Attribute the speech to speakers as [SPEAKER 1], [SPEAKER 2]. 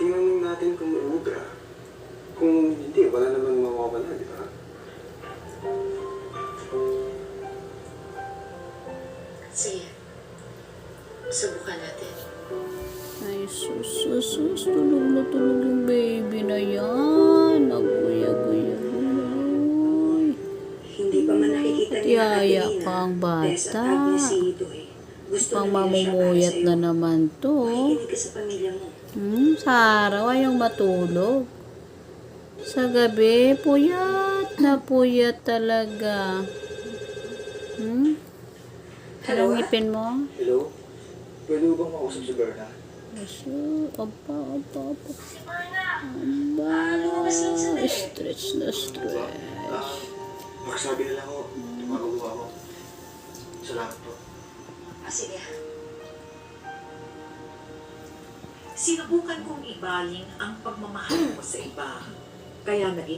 [SPEAKER 1] tingnan natin kung uubra. Kung hindi, wala naman mawawala, di ba?
[SPEAKER 2] Sige. Subukan natin.
[SPEAKER 3] Ay, sus, tulog na tulog yung baby na yan. Naguya-guya.
[SPEAKER 2] Hindi pa man nakikita ni
[SPEAKER 3] Yaya
[SPEAKER 2] Adelina,
[SPEAKER 3] pa ang
[SPEAKER 2] Tess at
[SPEAKER 3] bata.
[SPEAKER 2] Agnes si Idoy. Gusto
[SPEAKER 3] Pang
[SPEAKER 2] na nila siya para
[SPEAKER 3] mamumuyat
[SPEAKER 2] sa'yo.
[SPEAKER 3] na naman to.
[SPEAKER 2] Makikinig ka sa pamilya mo.
[SPEAKER 3] Sa araw ayaw matulog. Sa gabi, puyat na puyat talaga. Anong ngipin mo?
[SPEAKER 1] Hello? Pwede mo bang makausap si Berna?
[SPEAKER 3] Opa.
[SPEAKER 2] Si Berna!
[SPEAKER 3] Aba, stretch na stretch.
[SPEAKER 1] Magsabi na lang ako. Tumagawa ako. Salamat po.
[SPEAKER 2] Sige. Sinubukan kong ibaling ang pagmamahal ko sa iba. Kaya naging